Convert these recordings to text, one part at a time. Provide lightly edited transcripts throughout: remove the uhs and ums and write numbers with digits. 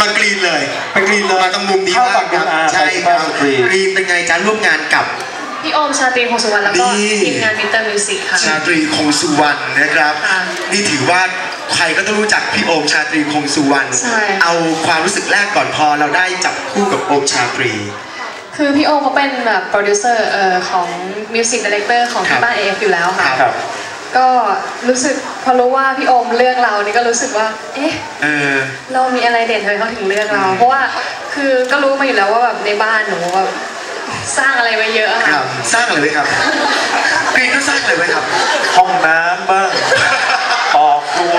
ากรีนเลยมาตรงมุมนี้บ้างครับใช่ครับกรีนเป็นไงจ้าร่วมงานกับพี่โอมชาตรีคงสุวรรณแล้วก็ทีมงานมิสเตอร์มิวสิกค่ะชาตรีคงสุวรรณนะครับนี่ถือว่าใครก็ต้องรู้จักพี่โอมชาตรีคงสุวรรณเอาความรู้สึกแรกก่อนพอเราได้จับคู่กับโอมชาตรีคือพี่โอมเขาเป็นแบบโปรดิวเซอร์ของมิวสิกดีเรคเตอร์ของที่บ้าน AF อยู่แล้วค่ะก็รู้สึกพอรู้ว่าพี่โอมเลือกเรานี่ก็รู้สึกว่าเอ๊ะเรามีอะไรเด่นเลยเขาถึงเลือกเราเพราะว่าคือก็รู้มาอยู่แล้วว่าแบบในบ้านหนูแบบสร้างอะไรไว้เยอะค่ะสร้างอะไรไว้ครับกรีนก็สร้างอะไรไว้ครับห้องน้ำบ้างออกครัว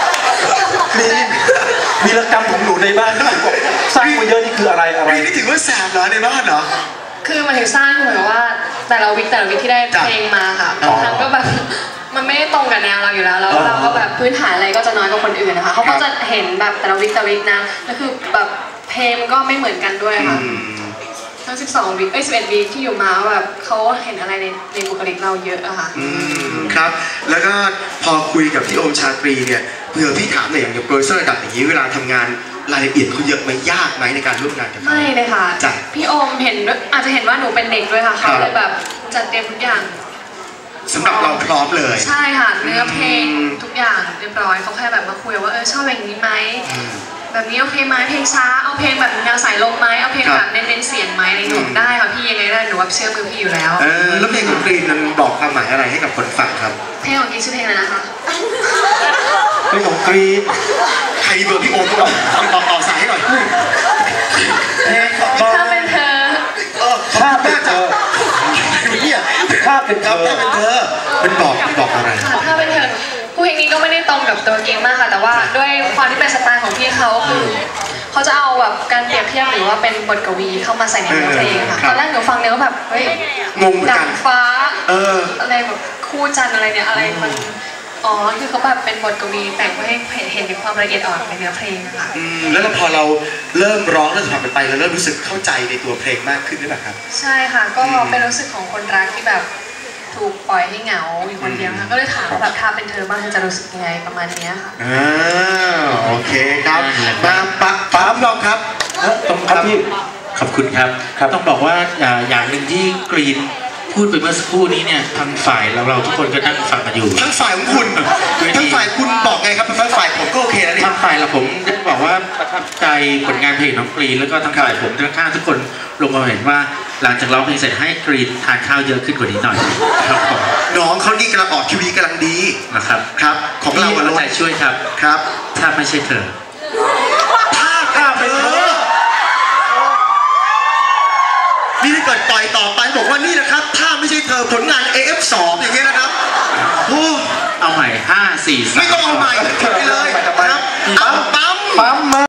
มีรกรรมของหนูในบ้านที่หนูบอกสร้างมาเยอะนี่คืออะไรกรีนนี่ถือว่าแสบเหรอในบ้านเหรอคือมันถึงสร้างเหมือนว่าแต่ละวิกที่ได้เพลงมาค่ะบางครั้งก็แบบมันไม่ได้ตรงกับแนวเราอยู่แล้วเราก็แบบพื้นฐานอะไรก็จะน้อยกว่าคนอื่นนะคะเขาก็จะเห็นแบบแต่ละวิกนะแล้วคือแบบเพลงก็ไม่เหมือนกันด้วยค่ะทั้ง12 วีค11 วีคที่อยู่มาแบบเขาเห็นอะไรในบุคลิกเราเยอะอะค่ะครับแล้วก็พอคุยกับพี่โอมชาตรีเนี่ยเผื่อพี่ถามหน่อยอย่างโปรดิวเซอร์ระดับอย่างนี้เวลาทำงานรายละเอียดเขาเยอะไหมยากไหมในการร่วมงานกับเขาไม่เลยค่ะพี่โอมเห็นอาจจะเห็นว่าหนูเป็นเด็กด้วยค่ะเขาเลยแบบจัดเตรียมทุกอย่างสำหรับเราพร้อมเลยใช่ค่ะเนื้อเพลงทุกอย่างเรียบร้อยเขาแค่แบบมาคุยว่าชอบอย่างนี้ไหมแบบนี้โอเคไหมเพลงช้าเอาเพลงแบบแนวสายลมไหมเอาเพลงแบบเน้นเสียงไหมในหนูได้ค่ะพี่ยังไงได้หนูว่าเชื่อมือพี่อยู่แล้วแล้วเพลงของกรีนมันบอกความหมายอะไรให้กับคนฟังครับเพลงของกรีนชื่อเพลงอะไรนะคะเพลงของกรีนใครเบอร์พี่โอมต่อสายให้หน่อยถ้าเป็นเธอถ้าเป็นเธอถ้าเป็นเธอเป็นบอกอะไรถ้าเป็นเธอเพลงนี้ก็ไม่ได้ตรงกับตัวเกมมากค่ะแต่ว่าด้วยความที่เป็นสไตล์ของพี่เขาคือเขาจะเอาแบบการเปรียบเทียบหรือว่าเป็นบทกวีเข้ามาใส่ในเนื้อเพลงค่ะตอนแรกหนูฟังเนื้อแบบเฮ้ยดังฟ้าอะไรแบบคู่จันอะไรเนี่ยอะไรมันคือเขาแบบเป็นบทกวีแต่งเพื่อให้เห็นถึงความละเอียดอ่อนในเนื้อเพลงค่ะแล้วพอเราเริ่มร้องเริ่มทำไปเราเริ่มรู้สึกเข้าใจในตัวเพลงมากขึ้นหรือเปล่าครับใช่ค่ะก็เป็นรู้สึกของคนรักที่แบบถูกปล่อยให้เหงาอยู่คนเดียวค่ะก็เลยถามแบบถ้าเป็นเธอบ้างเธอจะรู้สึกยังไงประมาณนี้ค่ะโอเคครับมาปั๊มลองครับต้องครับพี่ขอบคุณครับต้องบอกว่าอย่างหนึ่งที่กรีนพูดไปเมื่อสักครู่นี้เนี่ยทางฝ่ายเราทุกคนก็นั่งฟังกันอยู่ทั้งฝ่ายของคุณทั้งฝ่ายคุณบอกไงครับทั้งฝ่ายผมก็โอเคแล้วนี่ทางฝ่ายเราผมได้บอกว่าประทับใจผลงานเพลงน้องกรีนแล้วก็ทางฝ่ายผมข้างทุกคนลงมาเห็นว่าหลังจากร้องเพลงเสร็จให้กรีนทานข้าวเยอะขึ้นกว่านี้หน่อยครับผมน้องเขานี่กำลังออกทีวีกำลังดีนะครับครับของเราใจช่วยครับถ้าไม่ใช่เธอถ้าเป็นเธอนี่ถ้าเกิดต่อยต่อไปบอกว่านี่นะครับถ้าไม่ใช่เธอผลงาน AF2 อย่างเงี้ยนะครับเอาใหม่5 4 3 ไม่ต้องเอาใหม่ไปเลยครับปั๊ม